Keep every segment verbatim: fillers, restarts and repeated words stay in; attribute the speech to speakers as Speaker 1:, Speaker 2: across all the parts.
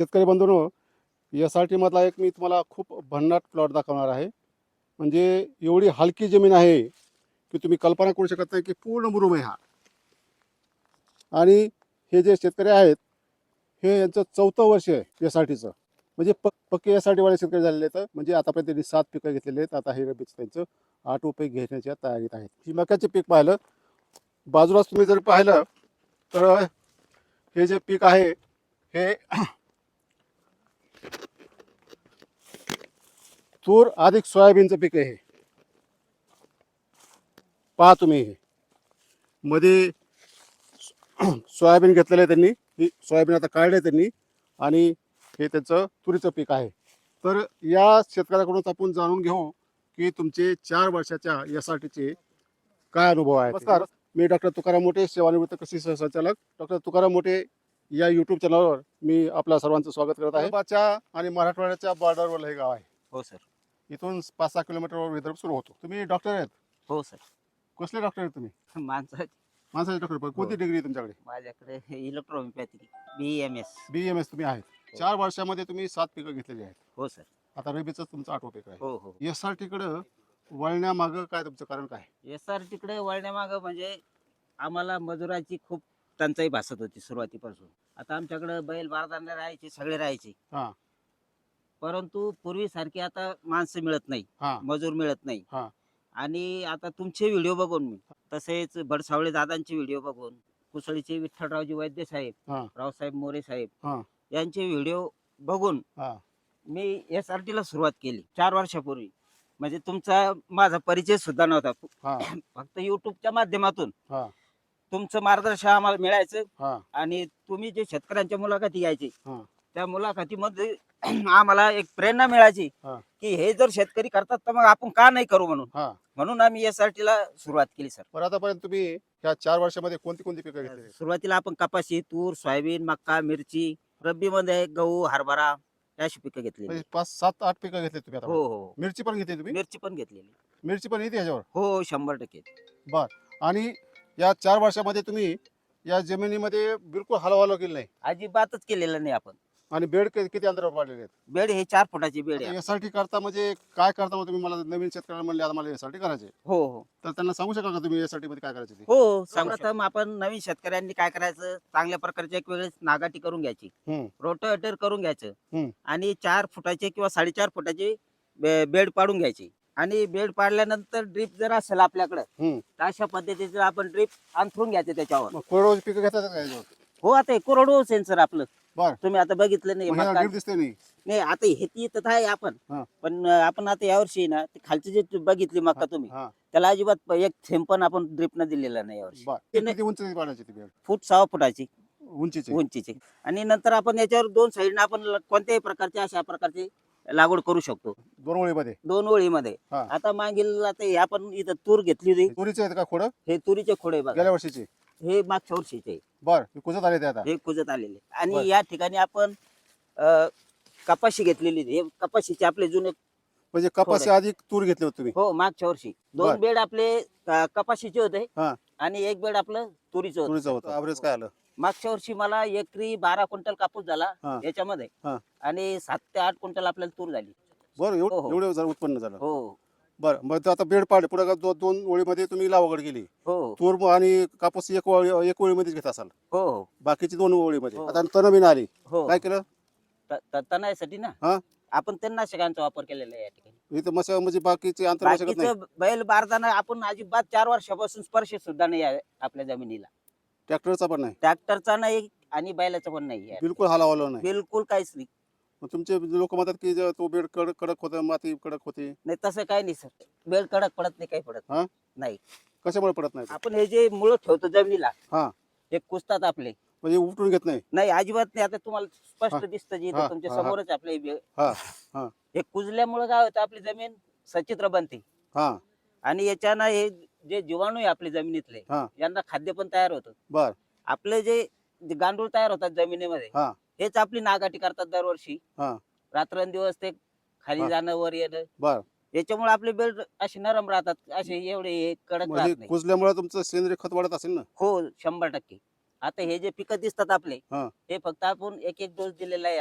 Speaker 1: शेतकरी बंधूंनो, यासाठी मधला एक मी तुम्हाला खूप भन्नाट प्लॉट दाखवणार आहे. म्हणजे एवढी हलकी जमीन आहे की तुम्ही कल्पना करू शकत नाही की पूर्ण मुरुम आहे हा. आणि हे जे शेतकरी आहेत, हे यांचं चौथं वर्ष आहे एस आर टीचं. म्हणजे प पक्के एस आर टीवाले शेतकरी झालेले आहेत. म्हणजे आतापर्यंत त्यांनी सात पिकं घेतलेली आहेत. आता हे रब्बीचं त्यांचं आठवं पीक घेण्याच्या तयारीत आहेत. ही मक्याचे पीक पाहिलं, बाजूलाच तुम्ही जर पाहिलं तर हे जे पीक आहे हे तूर अधिक सोयाबीनचं पीक आहे. पहा तुम्ही, हे मध्ये सोयाबीन घेतलेलं आहे त्यांनी. ही सोयाबीन आता काढले त्यांनी आणि हे त्यांचं तुरीचं पीक आहे. तर या शेतकऱ्याकडून आपण जाणून घेऊ की तुमचे चार वर्षाच्या एस आर टीचे काय अनुभव आहेत. नमस्कार, मी डॉक्टर तुकाराम मोठे, सेवानिवृत्त कृषी सहसंचालक. डॉक्टर तुकाराम मोठे या यूट्यूब चॅनलवर मी आपल्या सर्वांचं स्वागत करत आहे. विदर्भाच्या आणि मराठवाड्याच्या बॉर्डरवर हे गाव आहे.
Speaker 2: हो सर.
Speaker 1: इथून पाच सहा किलोमीटरवर विदर्भ सुरू होतो. तुम्ही डॉक्टर आहेत?
Speaker 2: हो सर.
Speaker 1: कसले डॉक्टर आहेत तुम्ही?
Speaker 2: माणसाची
Speaker 1: माणसाचे डॉक्टर. पण कोणती डिग्री आहे तुमच्याकडे?
Speaker 2: माझ्याकडे electrohomeopathy B M S.
Speaker 1: B M S तुम्ही आहेत. चार वर्षामध्ये तुम्ही सात पिकं घेतलेली आहेत.
Speaker 2: हो सर.
Speaker 1: आता रबीचं तुमचं आठवं पीक आहे.
Speaker 2: हो हो.
Speaker 1: एस आर टीकडं वळण्यामागं काय तुमचं कारण काय?
Speaker 2: एस आर टीकडे वळण्यामागं म्हणजे आम्हाला मजुराची खूप टंचाई भासत होती सुरुवातीपासून. आता आमच्याकडे बैल बारदाने राहायचे, सगळे राहायचे.
Speaker 1: हा
Speaker 2: परंतु पूर्वीसारखी आता माणसं मिळत नाही,
Speaker 1: हा
Speaker 2: मजूर मिळत नाही.
Speaker 1: हा
Speaker 2: आणि आता तुमचे व्हिडिओ बघून मी, तसेच भडसावळे दादांचे व्हिडिओ बघून, कुसळीचे विठ्ठलरावजी वैद्य साहेब,
Speaker 1: हा
Speaker 2: रावसाहेब मोरे साहेब
Speaker 1: हा
Speaker 2: यांचे व्हिडिओ बघून
Speaker 1: हा
Speaker 2: मी एस आर टीला सुरुवात केली चार वर्षापूर्वी. म्हणजे तुमचा माझा परिचय सुद्धा नव्हता.
Speaker 1: हा
Speaker 2: फक्त युट्यूबच्या माध्यमातून
Speaker 1: हा
Speaker 2: तुमचं मार्गदर्शन आम्हाला मिळायचं.
Speaker 1: हा
Speaker 2: आणि तुम्ही जे शेतकऱ्यांच्या मुलाखती घ्यायचे,
Speaker 1: हा
Speaker 2: त्या मुलाखतीमध्ये आम्हाला एक प्रेरणा मिळायची
Speaker 1: हा
Speaker 2: की हे जर शेतकरी करतात तर मग आपण का नाही करू म्हणून.
Speaker 1: हा
Speaker 2: म्हणून आम्ही एस आर टीला सुरुवात केली सर.
Speaker 1: बरं, आतापर्यंत तुम्ही ह्या चार वर्षामध्ये कोणती कोणती पिकं घेतली?
Speaker 2: सुरुवातीला आपण कपाशी, तूर, सोयाबीन, मक्का, मिरची, रब्बीमध्ये गहू, हरभरा अशी पिकं घेतली.
Speaker 1: म्हणजे पाच सात आठ पिकं घेतली तुम्ही आता?
Speaker 2: हो हो.
Speaker 1: मिरची पण घेतली तुम्ही?
Speaker 2: मिरची पण घेतलेली.
Speaker 1: मिरची पण येते ह्याच्यावर?
Speaker 2: हो, शंभर टक्के.
Speaker 1: बर. आणि या चार वर्षामध्ये तुम्ही या जमिनीमध्ये बिलकुल हलवालो केली नाही
Speaker 2: अजिबातच केलेलं नाही आपण.
Speaker 1: आणि बेड कि- किती अंतरावर पाडलेले आहेत?
Speaker 2: बेड हे चार फुटाची बेड आहे.
Speaker 1: एस आर टी करता म्हणजे काय करता मग तुम्ही? मला नवीन शेतकऱ्यांना म्हणले आता मला एस आर टी करायचे,
Speaker 2: हो हो
Speaker 1: तर त्यांना सांगू शकाल का तुम्ही एस आर टी मध्ये काय करायचे ते?
Speaker 2: हो. सर्वप्रथम आपण नवीन शेतकऱ्यांनी काय करायचं, चांगल्या प्रकारची एक वेळेस नागाटी करून घ्यायची,
Speaker 1: हम्म,
Speaker 2: रोटावेटर करून घ्यायचं
Speaker 1: हम्म.
Speaker 2: आणि चार फुटाचे किंवा साडेचार फुटाचे बे- बेड पाडून घ्यायची. आणि बेड पाडल्यानंतर ड्रीप जर असेल आपल्याकडे
Speaker 1: हम्म.
Speaker 2: तर अशा पद्धतीचं आपण ड्रीप अंथरून घ्यायचं त्याच्यावर.
Speaker 1: मग कोरडवाहू पिकं घेतात का याच्यावर?
Speaker 2: हो, आता हे कोरडवाहू सेन्सर आपलं
Speaker 1: बर.
Speaker 2: तुम्ही आता बघितलं नाही.
Speaker 1: मग ह्याला
Speaker 2: मका-
Speaker 1: ड्रीप दिसते नाही?
Speaker 2: नाही, आता हे ती तर आहे आपण,
Speaker 1: हा.
Speaker 2: पण आपण आता यावर्षी ना ते खालची जे बघितली मका तुम्ही,
Speaker 1: हा.
Speaker 2: त्याला अजिबात प- एक थेंब पण आपण ड्रीप न दिलेला नाही यावर्षी.
Speaker 1: बर.
Speaker 2: ते नाही.
Speaker 1: किती उंच पाडायची ती बेड?
Speaker 2: फूट सहा फुटाची
Speaker 1: उंचीची?
Speaker 2: उंचीची. आणि नंतर आपण याच्यावर दोन साईडने आपण ल- कोणत्याही प्रकारचे अशा प्रकारचे लागवड करू शकतो
Speaker 1: दोन ओळीमध्ये?
Speaker 2: दोन ओळीमध्ये.
Speaker 1: हा.
Speaker 2: आता मागील आता हे आपण इथं तूर घेतली होती,
Speaker 1: तुरीचे आहेत का खोडं?
Speaker 2: हे तुरीचे खोडे बघा,
Speaker 1: गेल्या वर्षीचे?
Speaker 2: हे मागच्या वर्षीचे,
Speaker 1: बर. हे कुजत आले ते आता?
Speaker 2: हे कुजत आलेले.
Speaker 1: बर.
Speaker 2: आणि या ठिकाणी आपण अ, कपाशी घेतलेली होती. हे कपाशीचे आपले जुने,
Speaker 1: म्हणजे कपाशी आधी तूर घेतले होते तुम्ही?
Speaker 2: हो, मागच्या वर्षी
Speaker 1: बर.
Speaker 2: दोन बेड आपले अ, कपाशीचे होते
Speaker 1: हा.
Speaker 2: आणि एक बेड आपलं तुरीचं होतं.
Speaker 1: तुरीचं होतं. ॲव्हरेज काय आलं?
Speaker 2: मागच्या वर्षी मला एकरी बारा क्विंटल कापूस झाला
Speaker 1: हा.
Speaker 2: याच्यामध्ये,
Speaker 1: हा.
Speaker 2: आणि सात ते आठ क्विंटल आपल्याला तूर झाली.
Speaker 1: बरं.
Speaker 2: हो,
Speaker 1: एवढं
Speaker 2: हो.
Speaker 1: एवढं जर उत्पन्न झालं?
Speaker 2: हो
Speaker 1: बरं. मग ते आता बेड पाडले, पुढे दो, दोन ओळीमध्ये तुम्ही लागवड केली.
Speaker 2: हो
Speaker 1: तूर म- आणि कापूस एक ओळी एक ओळीमध्येच घेत असाल,
Speaker 2: हो हो
Speaker 1: बाकीची दोन ओळीमध्ये.
Speaker 2: हो.
Speaker 1: आता तणबीन आली,
Speaker 2: हो.
Speaker 1: काय केलं?
Speaker 2: त- त- तणासाठी ना
Speaker 1: हा?
Speaker 2: आपण तणनाशकांचा वापर केलेला आहे या ठिकाणी.
Speaker 1: इथं मशा म्हणजे बाकीचे अंतर शकत नाही?
Speaker 2: बाकीचं बैल बारदाना आपण अजिबात चार वर्षापासून स्पर्श सुद्धा नाही आहे आपल्या जमिनीला.
Speaker 1: ट्रॅक्टरचा पण नाही?
Speaker 2: ट्रॅक्टरचा नाही आणि बैलाचा पण नाही आहे.
Speaker 1: बिलकुल हलावलं नाही?
Speaker 2: बिलकुल काहीच नाही.
Speaker 1: मग तुमचे लोक म्हणतात की जे तो बेड कडक कडक होतं, माती कडक होती.
Speaker 2: नाही, तसं काही नाही सर. बेल कडक पडत नाही, काही पडत
Speaker 1: हा?
Speaker 2: नाही.
Speaker 1: कशामुळे पडत नाही ते?
Speaker 2: आपण हे जे मुळं ठेवतो जमिनीला,
Speaker 1: हा.
Speaker 2: हे कुजतात आपले.
Speaker 1: म्हणजे उपटून घेत नाही?
Speaker 2: नाही, अजिबात नाही. आता तुम्हाला
Speaker 1: हा.
Speaker 2: स्पष्ट दिसतं जे
Speaker 1: हा,
Speaker 2: इथं तुमच्या
Speaker 1: हा, हा.
Speaker 2: समोरच आपले बे-
Speaker 1: हा हा
Speaker 2: हे कुजल्यामुळे काय होतं, आपली जमीन सचित्र बनते.
Speaker 1: हा
Speaker 2: आणि याच्यानं हे जे जीवाणू आहे आपल्या जमिनीतले,
Speaker 1: हा.
Speaker 2: यांना खाद्य पण तयार होतं.
Speaker 1: बर.
Speaker 2: आपले जे जे गांडूळ तयार होतात जमिनीमध्ये,
Speaker 1: हा.
Speaker 2: हेच आपली नागाटी करतात दरवर्षी.
Speaker 1: हा.
Speaker 2: रात्रंदिवस ते खाली
Speaker 1: हा.
Speaker 2: जाणं वर येणं,
Speaker 1: बर.
Speaker 2: याच्यामुळे आपले बेड असे नरम राहतात, असे एवढे हे कडक
Speaker 1: मग हे
Speaker 2: राहत नाही.
Speaker 1: कुजल्यामुळे तुमचं सेंद्रिय खत वाढत असेल ना?
Speaker 2: हो, शंभर टक्के. आता हे जे पिकं दिसतात आपले,
Speaker 1: हा.
Speaker 2: हे फक्त आपण एक एक डोस दिलेला आहे याला,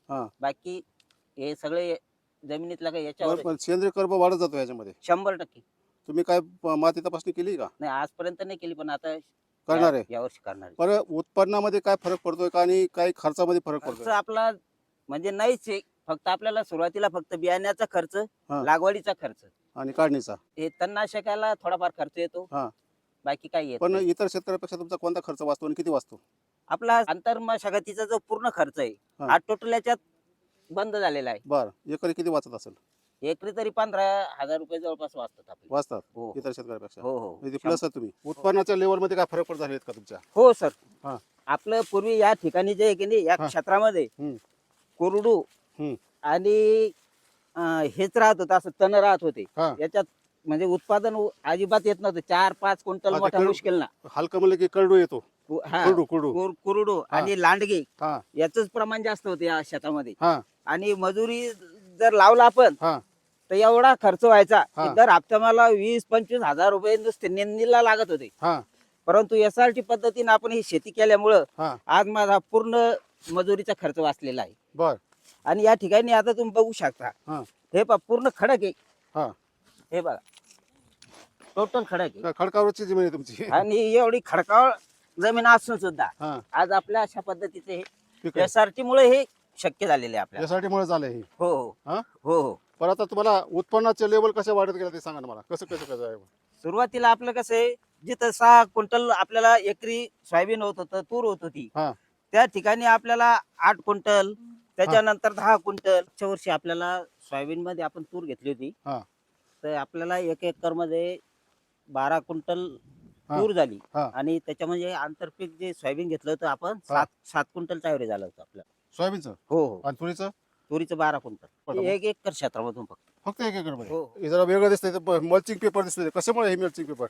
Speaker 1: हा.
Speaker 2: बाकी हे सगळे जमिनीतला काही याच्यावर
Speaker 1: बरं, पण सेंद्रिय कर्ब वाढत जातो याच्यामध्ये.
Speaker 2: शंभर टक्के.
Speaker 1: तुम्ही काय प- माती तपासणी केली का?
Speaker 2: नाही आजपर्यंत नाही केली, पण आता
Speaker 1: करणार आहे.
Speaker 2: या- यावर्षी करणार आहे.
Speaker 1: बरं, उत्पन्नामध्ये काय फरक पडतोय का आणि काही खर्चामध्ये फरक
Speaker 2: खर्च
Speaker 1: पडतोय?
Speaker 2: आपला म्हणजे नाहीच आहे. फक्त आपल्याला सुरुवातीला फक्त बियाण्याचा खर्च,
Speaker 1: हा.
Speaker 2: लागवडीचा खर्च,
Speaker 1: आणि काढणीचा.
Speaker 2: हे तणनाशकाला थोडाफार खर्च येतो.
Speaker 1: हा.
Speaker 2: बाकी काही येत
Speaker 1: पण
Speaker 2: नाही.
Speaker 1: इतर शेतकऱ्यापेक्षा तुमचा कोणता खर्च वाचतो आणि किती वाचतो?
Speaker 2: आपला आंतरमशागतीचा जो पूर्ण खर्च आहे
Speaker 1: हा.
Speaker 2: हा टोटल याच्यात बंद झालेला आहे.
Speaker 1: बरं, एकरी किती वाचत असेल?
Speaker 2: एकरी तरी पंधरा हजार रुपये जवळपास वाचतात आपले.
Speaker 1: वाचतात
Speaker 2: हो
Speaker 1: इतर शेतकऱ्यापेक्षा.
Speaker 2: हो हो
Speaker 1: म्हणजे प्लस आहे तुम्ही. उत्पन्नाच्या लेवलमध्ये काय फरक पडत झालेत का तुमच्या?
Speaker 2: हो सर.
Speaker 1: हा.
Speaker 2: आपलं पूर्वी या ठिकाणी जे आहे की नाही, या
Speaker 1: हा.
Speaker 2: क्षेत्रामध्ये
Speaker 1: हम्म.
Speaker 2: कोरडू
Speaker 1: हम्म.
Speaker 2: आणि अं, हेच राहत होतं, असं तण राहत होते.
Speaker 1: हा.
Speaker 2: याच्यात म्हणजे उत्पादन उ- अजिबात येत नव्हतं. चार पाच क्विंटल
Speaker 1: हा, ते
Speaker 2: मोठा
Speaker 1: कर-
Speaker 2: मुश्किल ना.
Speaker 1: हलकं म्हणलं की करडू येतो.
Speaker 2: कु- हा.
Speaker 1: कुरडू कुरडू.
Speaker 2: कुर- कुरडू
Speaker 1: हा.
Speaker 2: आणि लांडगे
Speaker 1: हा.
Speaker 2: याच प्रमाण जास्त होते या शेतामध्ये.
Speaker 1: हा.
Speaker 2: आणि मजुरी जर लावला आपण
Speaker 1: हा.
Speaker 2: तर एवढा खर्च व्हायचा
Speaker 1: हा.
Speaker 2: की दर हप्ता मला वीस पंचवीस हजार रुपये नुसते नेंदीला लागत होते.
Speaker 1: हा.
Speaker 2: परंतु एस आर टी पद्धतीने आपण ही शेती केल्यामुळं
Speaker 1: हा.
Speaker 2: आज माझा पूर्ण मजुरीचा खर्च वाचलेला आहे.
Speaker 1: बर.
Speaker 2: आणि या ठिकाणी आता तुम्ही बघू शकता,
Speaker 1: हा.
Speaker 2: हे पहा पूर्ण खडक आहे.
Speaker 1: हा.
Speaker 2: हे बघा टोटल खडक आहे.
Speaker 1: काय खडकावरची जमीन आहे तुमची?
Speaker 2: आणि एवढी खडकाळ जमीन असून सुद्धा
Speaker 1: हा.
Speaker 2: आज आपल्या अशा पद्धतीचे
Speaker 1: ठीक आहे.
Speaker 2: एस आर टी मुळे हे शक्य झालेले आहे आपल्याला.
Speaker 1: यासाठी मुळे झालंय हे.
Speaker 2: हो हो
Speaker 1: हा.
Speaker 2: हो हो.
Speaker 1: पण आता तुम्हाला उत्पन्नाचे लेवल कसे वाढत गेले ते सांगा ना मला. कसं कसं कसं आहे?
Speaker 2: सुरुवातीला आपलं कसं आहे, जिथं सहा क्विंटल आपल्याला एकरी सोयाबीन होत होतं, तूर होत होती,
Speaker 1: हा.
Speaker 2: त्या ठिकाणी आपल्याला आठ क्विंटल, त्याच्यानंतर दहा क्विंटल. च्या वर्षी आपल्याला सोयाबीन मध्ये आपण तूर घेतली होती,
Speaker 1: हा.
Speaker 2: तर आपल्याला एक एकर मध्ये बारा क्विंटल
Speaker 1: हा.
Speaker 2: तूर झाली.
Speaker 1: हा.
Speaker 2: आणि त्याच्यामध्ये आंतरपीक जे सोयाबीन घेतलं होतं आपण, सात सात क्विंटलचा ॲव्हरेज आलं होतं आपल्याला.
Speaker 1: सोयाबीनचं
Speaker 2: हो हो.
Speaker 1: आणि तुरीचं
Speaker 2: तुरीचं बारा क्विंटल,
Speaker 1: बरोबर.
Speaker 2: एक एकर क्षेत्रामधून फक्त.
Speaker 1: फक्त एक एकर मध्ये?
Speaker 2: हो हो.
Speaker 1: हे जरा वेगळं दिसतंय. मल्चिंग पेपर दिसतोय. कशामुळे हे मल्चिंग पेपर?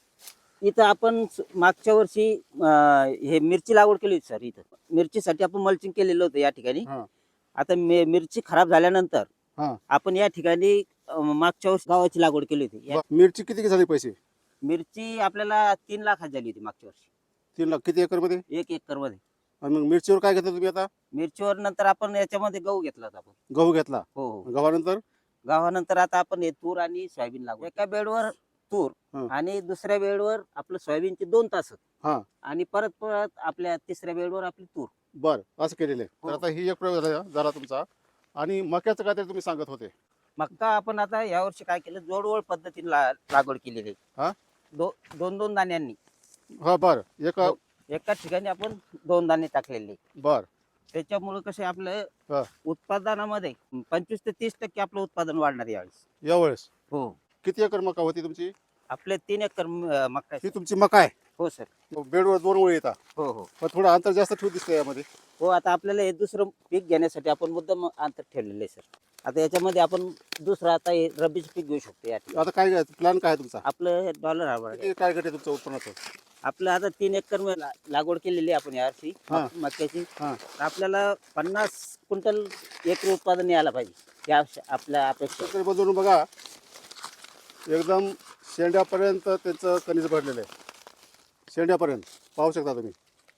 Speaker 2: इथं आपण स- मागच्या वर्षी अं, हे मिरची लागवड केली होती सर. इथं मिरचीसाठी आपण मल्चिंग केलेलं होतं या ठिकाणी.
Speaker 1: हा.
Speaker 2: आता मे- मिरची खराब झाल्यानंतर
Speaker 1: हा.
Speaker 2: आपण या ठिकाणी अं, मागच्या वर्षी गव्हाची लागवड केली होती. या-
Speaker 1: ब- मिरची किती झाली पैसे?
Speaker 2: मिरची आपल्याला तीन लाखात झाली होती मागच्या वर्षी,
Speaker 1: तीन लाख किती एकर मध्ये?
Speaker 2: एक एकर मध्ये.
Speaker 1: आणि मग मिरचीवर काय घेतलं तुम्ही आता?
Speaker 2: मिरचीवर नंतर आपण याच्यामध्ये गहू घेतला होता आपण.
Speaker 1: गहू घेतला.
Speaker 2: हो हो.
Speaker 1: गव्हानंतर
Speaker 2: गव्हानंतर आता आपण हे तूर आणि सोयाबीन लागवड. एका बेडवर तूर
Speaker 1: हा.
Speaker 2: आणि दुसऱ्या बेडवर आपलं सोयाबीनचे दोन तास,
Speaker 1: हा.
Speaker 2: आणि परत परत आपल्या तिसऱ्या बेडवर आपली तूर.
Speaker 1: बर, असं केलेलं आहे. तर
Speaker 2: हो.
Speaker 1: आता ही एक प्रयोग झाला झाला तुमचा. आणि मक्याचं काय तरी तुम्ही सांगत होते.
Speaker 2: मक्का आपण आता यावर्षी काय केलं, जोडवळ पद्धतीने ला- लागवड केलेली
Speaker 1: हा?
Speaker 2: आहे. दो दोन दोन दाण्यांनी
Speaker 1: हा. बर. एक
Speaker 2: हो. एका ठिकाणी आपण दोन दाणे टाकलेले.
Speaker 1: बर.
Speaker 2: त्याच्यामुळे कसे
Speaker 1: हा.
Speaker 2: आपलं उत्पादनामध्ये पंचवीस ते तीस टक्के आपलं उत्पादन वाढणार यावेळेस.
Speaker 1: यावेळेस
Speaker 2: हो.
Speaker 1: किती एकर मका होती तुमची?
Speaker 2: आपले तीन एकर म- अं, मक्का आहे.
Speaker 1: ही तुमची मका आहे.
Speaker 2: हो सर.
Speaker 1: बेडवर दोन ओळी येतात.
Speaker 2: हो हो
Speaker 1: पण थोडं अंतर जास्त ठेवू दिसतंय यामध्ये.
Speaker 2: हो. आता आपल्याला हे दुसरं पीक घेण्यासाठी आपण मुद्दाम अंतर ठेवलेलं आहे सर. आता याच्यामध्ये आपण दुसरं आता हे रब्बीचं पीक घेऊ शकतो या ठिकाणी.
Speaker 1: आता काय प्लॅन काय आहे तुमचा?
Speaker 2: आपलं डॉलर हरभरा
Speaker 1: किती टार्गेट आहे तुमचं उत्पन्नाचं?
Speaker 2: आपलं आता तीन एकर मध्ये ला- लागवड केलेली आहे आपण यावर्षी
Speaker 1: हा.
Speaker 2: मक- मक्याची.
Speaker 1: हा.
Speaker 2: तर आपल्याला पन्नास क्विंटल एकरी उत्पादन यायला पाहिजे या श- आपल्या अपेक्षा.
Speaker 1: शेतकरी बंधूंनो बघा, एकदम शेंड्यापर्यंत त्यांचं कणीस भरलेलं आहे. शेंड्यापर्यंत पाहू शकता तुम्ही.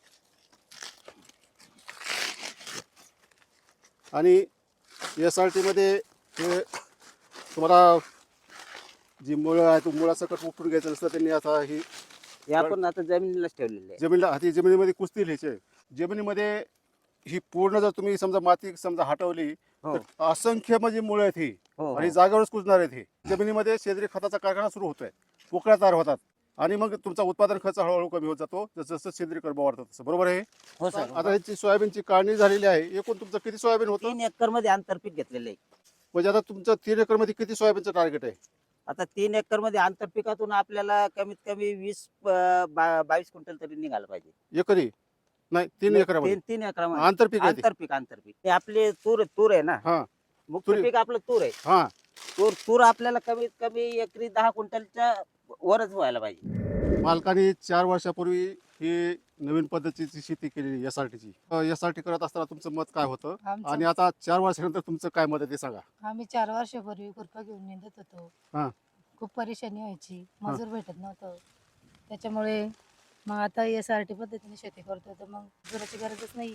Speaker 1: आणि एस आर टीमध्ये हे तुम्हाला जी मुळं आहे, मुळासकट उपटून घ्यायचं नसतं. त्यांनी आता ही
Speaker 2: हे आपण आता जमिनीलाच ठेवलेलं आहे.
Speaker 1: जमिनीला हाती जमिनीमध्ये कुस्ती लिहायचे. जमिनीमध्ये ही पूर्ण जर तुम्ही समजा माती समजा हटवली
Speaker 2: हो
Speaker 1: तर असंख्य म्हणजे मुळं आहेत ही.
Speaker 2: हो
Speaker 1: आणि
Speaker 2: हो.
Speaker 1: जागेवरच कुजणार आहेत हे. जमिनीमध्ये सेंद्रिय खताचा कारखाना सुरू होतोय. पोकळ्या तयार होतात आणि मग तुमचा उत्पादन खर्च हळूहळू कमी होत जातो जसं जसं सेंद्रिय कर्ब वाढतं तसं. बरोबर आहे?
Speaker 2: हो सर.
Speaker 1: आता ह्याची सोयाबीनची काढणी झालेली आहे. एकूण तुमचं किती सोयाबीन होतं?
Speaker 2: तीन एकर मध्ये आंतरपीक घेतलेलं आहे.
Speaker 1: म्हणजे आता तुमचं तीन एकर मध्ये किती सोयाबीनचं टार्गेट आहे?
Speaker 2: आता तीन एकर मध्ये आंतरपिकातून आपल्याला कमीत कमी वीस अं, बा- बावीस क्विंटल तरी निघालं पाहिजे.
Speaker 1: एकरी नाही, तीन एकरामध्ये
Speaker 2: तीन तीन एकरामध्ये
Speaker 1: आंतरपीक आहे ते.
Speaker 2: आंतरपीक आंतरपीक ते आपले तूर तूर आहे ना.
Speaker 1: हा.
Speaker 2: मुख्य
Speaker 1: तुरी-
Speaker 2: पीक आपलं तूर आहे.
Speaker 1: हा.
Speaker 2: तूर तूर आपल्याला कमीत कमी एकरी दहा क्विंटलच्या वरच व्हायला पाहिजे.
Speaker 1: मालकाने चार वर्षापूर्वी ही नवीन पद्धतीची शेती केलेली एस आर टीची. एस आर टी करत असताना तुमचं मत काय होतं
Speaker 3: आमचं-
Speaker 1: आणि आता चार वर्षानंतर तुमचं काय मत आहे ते सांगा.
Speaker 3: आम्ही चार वर्षापूर्वी खुरपा घेऊन निंदत होतो.
Speaker 1: हा.
Speaker 3: खूप परेशानी व्हायची, मजूर भेटत नव्हतं. त्याच्यामुळे मग आता एस आर टी पद्धतीने शेती करतो तर मग मजुराची गरजच नाहीये.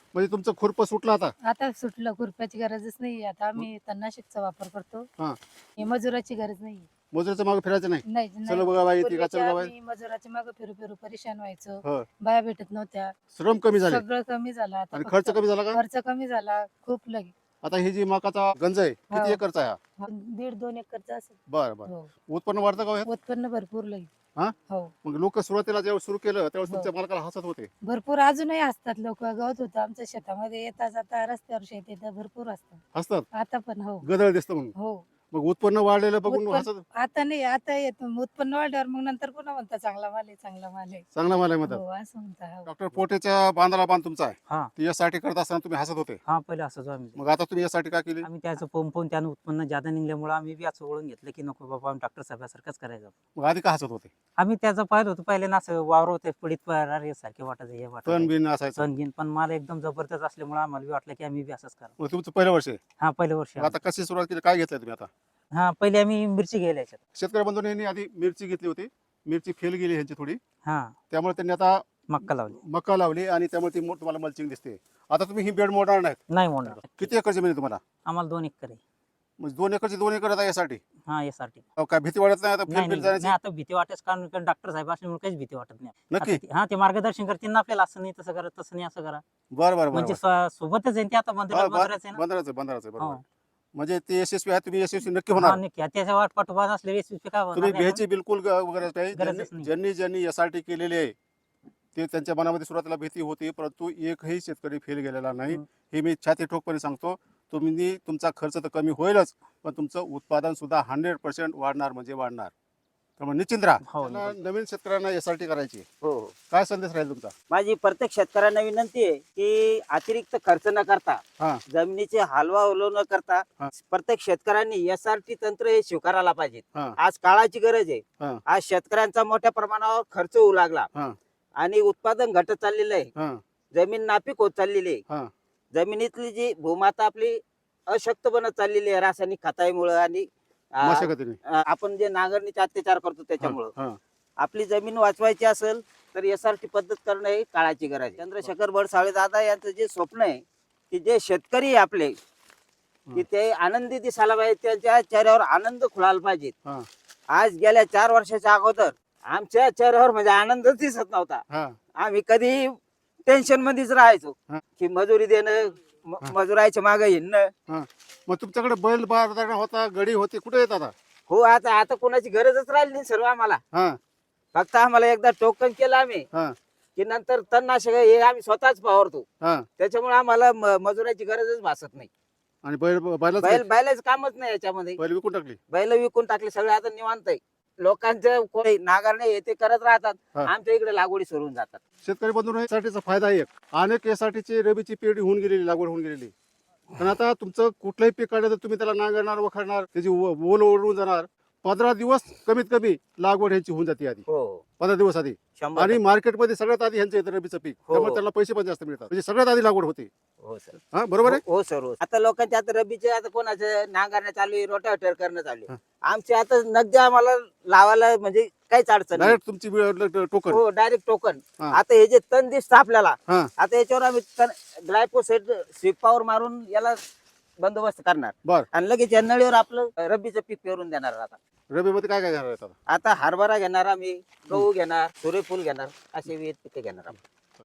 Speaker 1: म्हणजे तुमचं खुरपं सुटलं आता.
Speaker 3: आता सुटलं, खुरप्याची गरजच नाही. आता आम्ही तणनाशकचा वापर करतो.
Speaker 1: हा.
Speaker 3: हे मजुराची गरज नाही.
Speaker 1: मजुराच्या मागे फिरायचं नाही.
Speaker 3: नाही
Speaker 1: चलो
Speaker 3: नाही.
Speaker 1: बघा बाई ती का
Speaker 3: पूर्वीच्या
Speaker 1: चलो बाई.
Speaker 3: आम्ही मजुराच्या मागे फिरू फिरू परेशान व्हायचो.
Speaker 1: हो.
Speaker 3: बाया भेटत नव्हत्या.
Speaker 1: श्रम कमी झाले
Speaker 3: सगळं कमी झालं आता.
Speaker 1: आणि
Speaker 3: फक्त
Speaker 1: खर्च कमी झाला का?
Speaker 3: खर्च कमी झाला खूप लगे.
Speaker 1: आता ही जी मकाचा गंज आहे किती
Speaker 3: हो.
Speaker 1: एकरचा आहे हा?
Speaker 3: दीड दोन एकरचा असेल.
Speaker 1: बरं बरं.
Speaker 3: हो.
Speaker 1: उत्पन्न वाढतं का हो ह्यात?
Speaker 3: उत्पन्न भरपूर लगे.
Speaker 1: हा?
Speaker 3: हो.
Speaker 1: मग लोक सुरुवातीला जेव्हा सुरू केलं त्यावेळेस
Speaker 3: हो.
Speaker 1: तुमच्या मालकाला हसत होते.
Speaker 3: भरपूर अजूनही असतात लोक. गवत होतं आमच्या शेतामध्ये, येता जाता रस्त्यावर शेत येतं, भरपूर असतात
Speaker 1: हसतात
Speaker 3: आता पण. हो
Speaker 1: गदळ दिसतं म्हणून.
Speaker 3: हो.
Speaker 1: मग उत्पन्न वाढलेलं बघून
Speaker 3: उत्पन्न-
Speaker 1: हसत.
Speaker 3: आता नाही, आता येत उत्पन्न वाढल्यावर मग नंतर पुन्हा म्हणता चांगला माल आहे, चांगला माल आहे.
Speaker 1: चांगला माल आहे म्हणतात.
Speaker 3: हो असं म्हणता. हो.
Speaker 1: डॉक्टर पोटेच्या बांधाला बांध तुमचा आहे.
Speaker 4: हा
Speaker 1: ती यासाठी करत असताना तुम्ही हसत होते.
Speaker 4: हा पहिले असंच आम्ही
Speaker 1: मग आता तुम्ही यासाठी का केली?
Speaker 4: आम्ही त्याचं पाहून पाहून त्यानं उत्पन्न जादा निघल्यामुळे आम्ही बी असं वळून घेतलं की नको बाबा आम्ही डॉक्टर साहेबासारखंच करायचं.
Speaker 1: मग आधी का हसत होते?
Speaker 4: आम्ही त्याचं पाहिलं होतं पहिले ना असं वावर होते पडीत पडार सारखे वाटायचं हे
Speaker 1: तण
Speaker 4: वाटत
Speaker 1: बिन असायचं.
Speaker 4: सण घेऊन, पण मला एकदम जबरदस्त असल्यामुळे आम्हाला बी वाटलं की आम्ही बी असंच करा.
Speaker 1: मग तुमचं पहिलं वर्ष आहे.
Speaker 4: हा पहिलं वर्ष
Speaker 1: मग आता कशी सुरुवात केली, काय घेतलं तुम्ही आता?
Speaker 4: हा पहिले आम्ही मिरची घ्यायला याच्यात.
Speaker 1: शेतकरी बंधूंनी यांनी आधी मिरची घेतली होती. मिरची फेल गेली ह्यांची थोडी,
Speaker 4: हा
Speaker 1: त्यामुळे त्यांनी आता
Speaker 4: मक्का लावली.
Speaker 1: मका लावली आणि त्यामुळे ती मो- तुम्हाला मल्चिंग दिसते. आता तुम्ही ही बेड मोडणार नाहीत.
Speaker 4: नाही म्हणणार.
Speaker 1: किती एकर जमीन आहे तुम्हाला?
Speaker 4: आम्हाला दोन एकर आहे.
Speaker 1: म्हणजे दोन एकरची दोन एकर आता यासाठी.
Speaker 4: हा यासाठी
Speaker 1: अहो, काय भीती वाटत नाही आता
Speaker 4: नाही
Speaker 1: फेल बिल
Speaker 4: नाही
Speaker 1: जाण्याची?
Speaker 4: नाही, आता भीती वाटत कारण डॉक्टर साहेब असल्यामुळे काहीच भीती वाटत नाही.
Speaker 1: नक्की.
Speaker 4: आता ते- हा ते मार्गदर्शन करतील ना आपल्याला, असं नाही तसं करा तसं नाही असं करा.
Speaker 1: बरं बरं
Speaker 4: म्हणजे
Speaker 1: बरं
Speaker 4: स्व- सोबतच आहे ते आता बंदरात बंदराचं आहे ना.
Speaker 1: बंदराचं बंदराचं
Speaker 4: हो.
Speaker 1: बरोबर. म्हणजे ते यशस्वी आहे, तुम्ही यशस्वी नक्की
Speaker 4: हा,
Speaker 1: होणार.
Speaker 4: नक्की. त्याच्या वाट पाठोपाठ असले एसपी काय होणार
Speaker 1: तुम्ही
Speaker 4: नाही
Speaker 1: भ्यायची बिलकुल ग- गरज नाही.
Speaker 4: गरजच
Speaker 1: ज्यांनी
Speaker 4: नाही.
Speaker 1: ज्यांनी ज्यांनी यासाठी केलेली आहे ते त्यांच्या मनामध्ये सुरुवातीला भीती होती, परंतु एकही शेतकरी फेल गेलेला नाही.
Speaker 4: हम्म.
Speaker 1: हे मी छाती ठोकपणे सांगतो. तुम्ही तुमचा खर्च तर कमी होईलच, पण तुमचं उत्पादन सुद्धा हंड्रेड पर्सेंट वाढणार म्हणजे वाढणार. त्यामुळे निश्चिंत राहा.
Speaker 4: हो,
Speaker 1: त्यांना नवीन शेतकऱ्यांना यासाठी करायची.
Speaker 2: हो.
Speaker 1: काय संदेश राहील तुमचा?
Speaker 2: माझी प्रत्येक शेतकऱ्यांना विनंती आहे की अतिरिक्त खर्च न करता,
Speaker 1: हा.
Speaker 2: जमिनीचे हलवा हलव न करता
Speaker 1: हा.
Speaker 2: प्रत्येक शेतकऱ्यांनी एस आर टी तंत्र हे स्वीकारायला पाहिजे.
Speaker 1: हा.
Speaker 2: आज काळाची गरज आहे.
Speaker 1: हा.
Speaker 2: आज शेतकऱ्यांचा मोठ्या प्रमाणावर खर्च होऊ लागला
Speaker 1: हा.
Speaker 2: आणि उत्पादन घटत चाललेलं आहे.
Speaker 1: हा.
Speaker 2: जमीन नापीक होत चाललेली आहे.
Speaker 1: हा.
Speaker 2: जमिनीतली जी भूमाता आपली अशक्त बनत चाललेली आहे रासायनिक खतामुळे आणि अं,
Speaker 1: मशागतीने.
Speaker 2: अं, आपण जे नांगरणीचे अत्याचार करतो त्याच्यामुळं.
Speaker 1: हा.
Speaker 2: आपली जमीन वाचवायची असेल तर एस आर टी पद्धत करणं ही काळाची गरज आहे. चंद्रशेखर बडसाळे दादा यांचं जे स्वप्न आहे की जे शेतकरी आहे आपले की ते आनंदी दिसायला पाहिजे, त्यांच्या चेहऱ्यावर आनंद खुळायला पाहिजे.
Speaker 1: हा.
Speaker 2: आज गेल्या चार वर्षाच्या अगोदर आमच्या चेहऱ्यावर म्हणजे आनंदच दिसत नव्हता.
Speaker 1: हा.
Speaker 2: आम्ही कधी टेन्शन मध्येच राहायचो
Speaker 1: हा.
Speaker 2: की मजुरी देणं, म-
Speaker 1: हा.
Speaker 2: मजुराच्या मागे हिंडणं.
Speaker 1: मग तुमच्याकडे बैल बारदाना होता, गडी होती, कुठे येत आता?
Speaker 2: हो, आता आता कोणाची गरजच राहिली नाही सर्व आम्हाला.
Speaker 1: हा.
Speaker 2: फक्त आम्हाला एकदा टोकन केलं आम्ही
Speaker 1: हा.
Speaker 2: की नंतर तणनाशक हे आम्ही स्वतःच फवारतो.
Speaker 1: हा.
Speaker 2: त्याच्यामुळे आम्हाला म- मजुराची गरजच भासत नाही.
Speaker 1: आणि बैल बैलाच
Speaker 2: बैल बैलाच कामच नाही याच्यामध्ये.
Speaker 1: बैल विकून टाकली.
Speaker 2: बैल विकून टाकले सगळे, आता निवांत आहे. लोकांचं कोणी नांगरणे हे ते करत राहतात,
Speaker 1: हा.
Speaker 2: आमच्या इकडे लागवडी सोडून जातात.
Speaker 1: शेतकरी बंधूंनो, यासाठीचा फायदा एक, अनेक यासाठीची रबीची पेरणी होऊन गेलेली, लागवड होऊन गेलेली. पण आता तुमचं कुठलंही पीक काढलं तर तुम्ही त्याला नांगरणार, वखरणार, त्याची ओ- ओल ओढून जाणार. पंधरा दिवस कमीत कमी लागवड ह्यांची होऊन जाते आधी,
Speaker 2: हो,
Speaker 1: पंधरा दिवस आधी.
Speaker 2: शंभर
Speaker 1: आणि
Speaker 2: टक्के.
Speaker 1: मार्केटमध्ये सगळ्यात आधी ह्यांचं येतं रबीचं पीक,
Speaker 2: हो.
Speaker 1: त्यामुळे त्यांना पैसे पण जास्त मिळतात. म्हणजे सगळ्यात आधी लागवड होते.
Speaker 2: हो सर.
Speaker 1: हा, बरोबर आहे.
Speaker 2: हो हो सर, हो. आता लोकांचे आता रबीचे आता कोणाचं नांगरणे चालू आहे, रोटावेटर करणं चालू
Speaker 1: हा.
Speaker 2: आहे. आमचे आता नगदी आम्हाला लावायला म्हणजे काहीच अडचण नाही.
Speaker 1: डायरेक्ट तुमची वेळ- टोकन.
Speaker 2: हो, डायरेक्ट टोकन.
Speaker 1: हा.
Speaker 2: आता हे जे तण दिसतं आपल्याला,
Speaker 1: हा.
Speaker 2: आता याच्यावर आम्ही ग्लायफोसेट शिपावर मारून याला बंदोबस्त करणार
Speaker 1: बर.
Speaker 2: आणि लगेच या नळीवर आपलं रब्बीचं पीक पेरून देणार. आता
Speaker 1: रबीमध्ये काय काय घेणार आहेत आता?
Speaker 2: आता हरभरा घेणार आम्ही, गहू घेणार, सूर्यफूल घेणार, असे विविध पिके घेणार आम्ही.